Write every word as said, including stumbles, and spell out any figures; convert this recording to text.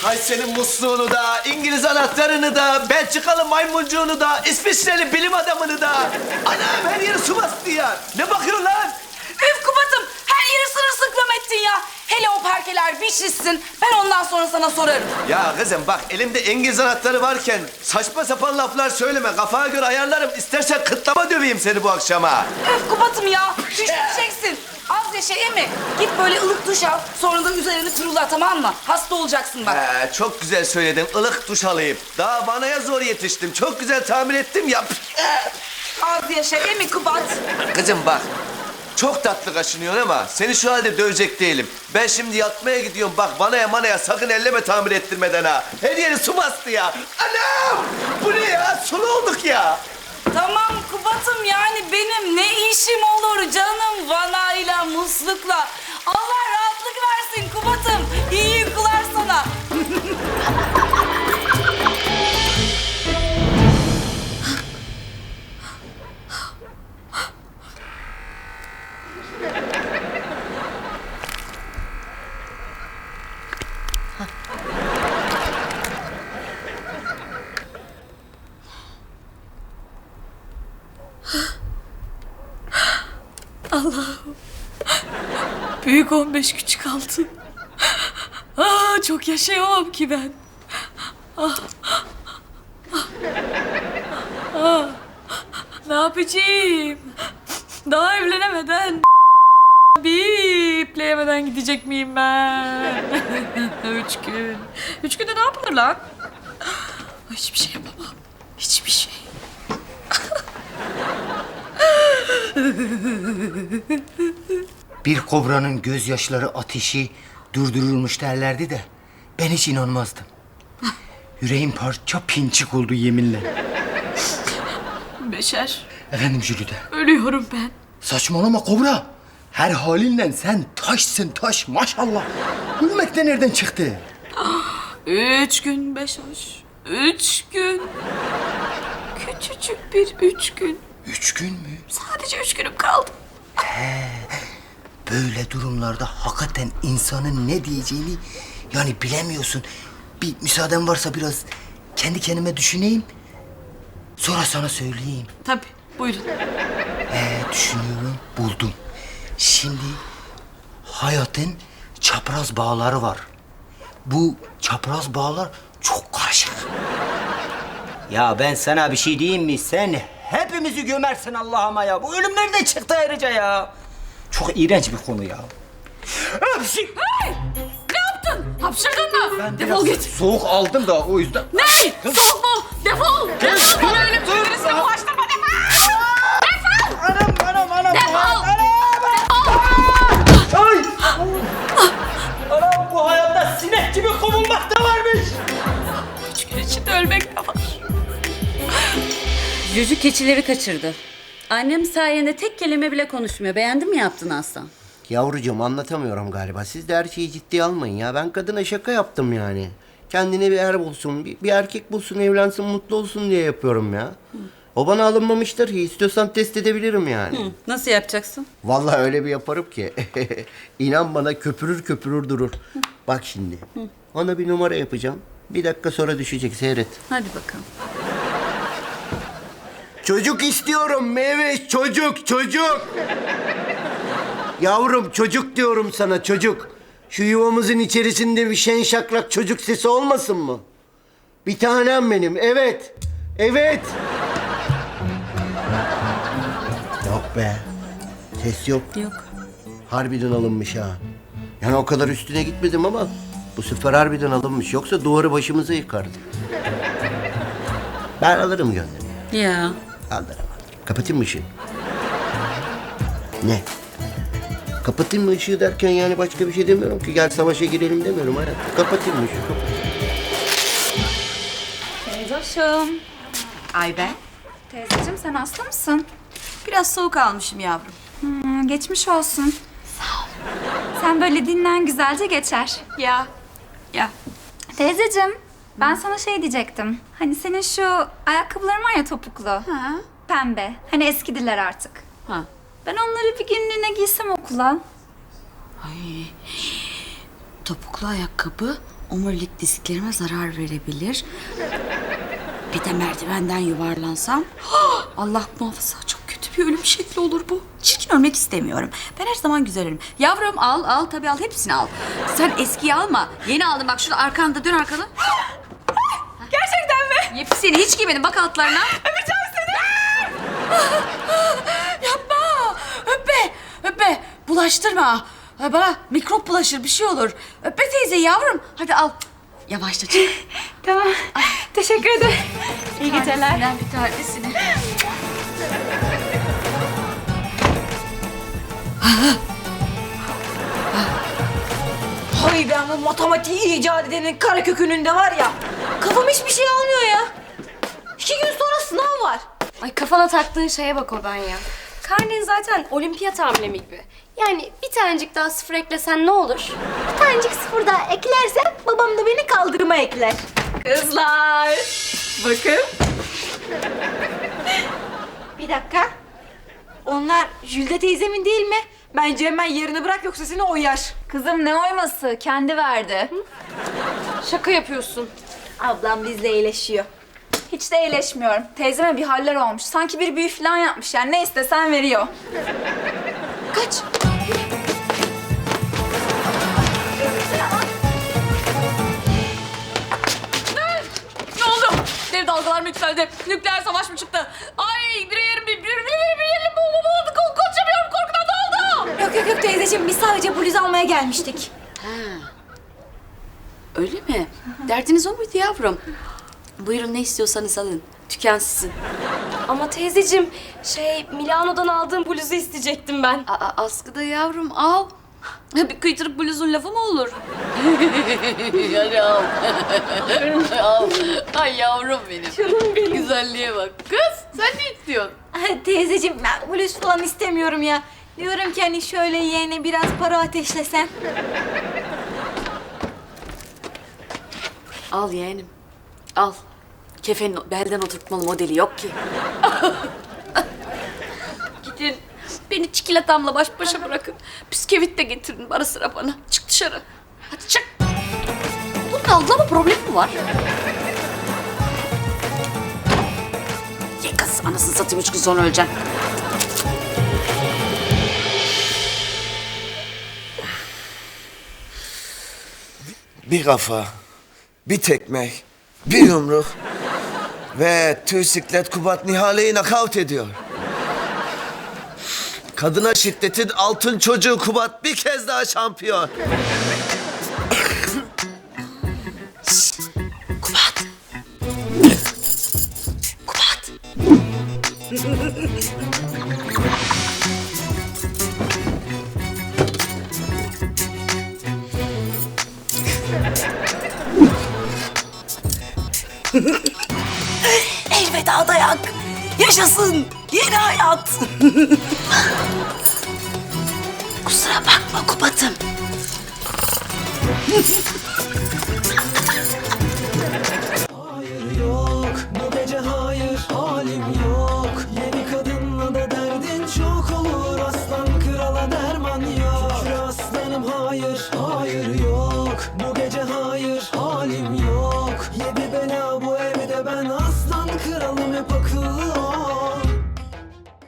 Ay senin musluğunu da, İngiliz anahtarını da, Belçikalı maymuncuğunu da, İsviçreli bilim adamını da. Anam her yeri su bastı ya. Ne bakıyorsun lan? Üf Kubat'ım, her yeri sırılsıklam ettin ya. Hele o parkeler bir şişsin, ben ondan sonra sana sorarım. Ya kızım bak elimde İngiliz anahtarı varken saçma sapan laflar söyleme. Kafana göre ayarlarım. İstersen kıtlama döveyim seni bu akşama. Öf Kubat'ım ya, üşüteceksin. Az yaşa emi. Git böyle ılık duş al, sonra da üzerini kurula, tamam mı? Hasta olacaksın bak. Ee, çok güzel söyledin. Ilık duş alayım. Daha vanaya zor yetiştim. Çok güzel tahmin ettim ya. Az yaşa emi Kubat. Kızım bak. Çok tatlı kaşınıyorsun ama seni şu halde dövecek değilim. Ben şimdi yatmaya gidiyorum. Bak vanaya manaya sakın elleme tamir ettirmeden ha. Her yeri su bastı ya. Anam! Bu ne ya? Sulu olduk ya. Tamam Kubat'ım, yani benim ne işim olur canım vanayla, muslukla. Allah rahatlık versin Kubat'ım. İyi uykular sana. Allah'ım. Büyük on beş küçük altı. Aa, çok yaşayamam ki ben. Ah. Ah. Ah. Ne yapacağım? Daha evlenemeden bir ipleyemeden gidecek miyim ben? Üç gün. Üç günde ne yapılır lan? Hiçbir şey yapamam. Hiçbir şey. Bir kobranın gözyaşları ateşi durdurulmuş derlerdi de ben hiç inanmazdım. Yüreğim parça pinçik oldu yeminle. Beşer. Efendim Jülide. Ölüyorum ben. Saçmalama kobra. Her halinle sen taşsın taş maşallah. Ölmek de nereden çıktı? Üç gün Beşer. Üç gün. Küçücük bir üç gün. Üç gün mü? Sadece üç günüm kaldı. Böyle durumlarda hakikaten insanın ne diyeceğini yani bilemiyorsun. Bir müsaaden varsa biraz kendi kendime düşüneyim. Sonra sana söyleyeyim. Tabii, buyurun. Ee, düşünüyorum, buldum. Şimdi hayatın çapraz bağları var. Bu çapraz bağlar çok karışık. Ya ben sana bir şey diyeyim mi? Sen hepimizi gömersin Allah'ıma ya. Bu ölüm nereden çıktı ayrıca ya? Çok iğrenç bir konu ya. Hey! Ne yaptın? Hapşırdın mı? Ben Defol biraz git. soğuk aldım da o yüzden. Ne? Soğuk mu? Defol! Defol! Bana ölüm cümlesini bulaştırma, defol! Defol! Anam anam anam. Defol! Ay! Anam bu hayatta sinek gibi kovulmak da varmış. Üç gün içinde ölmek de var. Cücü keçileri kaçırdı. Annem sayende tek kelime bile konuşmuyor. Beğendin mi yaptın Aslan? Yavrucuğum anlatamıyorum galiba. Siz de her şeyi ciddiye almayın ya. Ben kadına şaka yaptım yani. Kendine bir er bulsun, bir, bir erkek bulsun, evlensin, mutlu olsun diye yapıyorum ya. O bana alınmamıştır ki. İstiyorsan test edebilirim yani. Hı, nasıl yapacaksın? Vallahi öyle bir yaparım ki. İnan bana köpürür köpürür durur. Bak şimdi. Ona bir numara yapacağım. Bir dakika sonra düşecek. Seyret. Hadi bakalım. Çocuk istiyorum meyve. Çocuk, çocuk. Yavrum çocuk diyorum sana çocuk. Şu yuvamızın içerisinde bir şen şakrak çocuk sesi olmasın mı? Bir tanem benim. Evet. Evet. Yok be. Ses yok. Yok. Harbiden alınmış ha. Yani o kadar üstüne gitmedim ama bu sefer harbiden alınmış. Yoksa duvarı başımıza yıkardı. Ben alırım gönlünü. Ya. Alırım alırım. Kapatayım mı ışığı? Ne? Kapatayım mı ışığı derken yani başka bir şey demiyorum ki. Gel savaşa girelim demiyorum hayatım. Kapatayım mı ışığı? Teyzoşum. Ay ben. Teyzeciğim sen hasta mısın? Biraz soğuk almışım yavrum. Hmm, geçmiş olsun. Sağ ol. Sen böyle dinlen güzelce geçer. Ya. Ya. Teyzeciğim ben sana şey diyecektim. Hani senin şu ayakkabıların var ya topuklu. Ha. Pembe. Hani eskidiler artık. Ha. Ben onları bir günlüğüne giysem okula. Ay. Topuklu ayakkabı omurilik disklerime zarar verebilir. Bir de merdivenden yuvarlansam Allah muhafaza çok kötü bir ölüm şekli olur bu. Çirkin ölmek istemiyorum. Ben her zaman güzel ölürüm. Yavrum al al tabii al hepsini al. Sen eskiyi alma. Yeni aldım bak şurada arkanda dön arkana. Gerçekten mi? Yepyeni hiç giymedim bak altlarına. Öpeceğim seni. Yapma. Öpme. Öpme. Bulaştırma. Ha, bana mikrop bulaşır bir şey olur. Öpme teyze yavrum. Hadi al. Yavaşça çık. Tamam. Teşekkür ederim. İyi geceler. Senden bir tanesini. Hay ben bu matematiği icat edenin kara kökününde var ya. Kafam hiçbir şey almıyor ya. İki gün sonra sınav var. Ay kafana taktığın şeye bak o ben ya. Karnen zaten olimpiyat amblemi gibi. Yani bir tanecik daha sıfır eklesen ne olur? Bir tanecik sıfır daha eklersem babam da beni kaldırıma ekler. Kızlar. Bakın. Bir dakika. Onlar Jülde teyzemin değil mi? Bence hemen yerini bırak yoksa seni oyar. Kızım ne oyması? Kendi verdi. Şaka yapıyorsun. Ablam bizle iyileşiyor. Hiç de iyileşmiyorum. Teyzeme bir haller olmuş. Sanki bir büyü falan yapmış yani. Ne istesen veriyor. Kaç. Ne oldu? Dev dalgalar mı yükseldi? Nükleer savaş mı çıktı? Ay bir yerim bir bir bir bir yerim bu bu bu konuşamıyorum korkudan ne oldu? Yok yok yok teyzeciğim biz sadece bluz almaya gelmiştik. Öyle mi? Derdiniz o muydu yavrum? Buyurun ne istiyorsanız alın. Tüken sizin. Ama teyzeciğim şey Milano'dan aldığım bluzu isteyecektim ben. Aa, askıda yavrum al. Bir kıytırık bluzun lafı mı olur? Hadi al. Al. Ay yavrum benim. Canım benim. Güzelliğe bak. Kız sen ne istiyorsun? Teyzeciğim ben bluz falan istemiyorum ya. Diyorum ki hani şöyle yeğene biraz para ateşlesen. Al yeğenim. Al. Kefenin belden oturtmalı modeli yok ki. Gidin. Beni çikolatamla baş başa bırakın. Bisküvit de getirin ara sıra bana. Çık dışarı. Hadi çık. Bunun algılama problemi mi var? Ye kız anasını satayım üç gün sonra öleceksin. Bir kafa, bir tekme, bir yumruk ve tüysiklet Kubat Nihale'yi nakavt ediyor. Kadına şiddetin altın çocuğu Kubat bir kez daha şampiyon. Kubat. Kubat. Elveda dayak. Yaşasın yeni hayat. Kusura bakma Kubat'ım.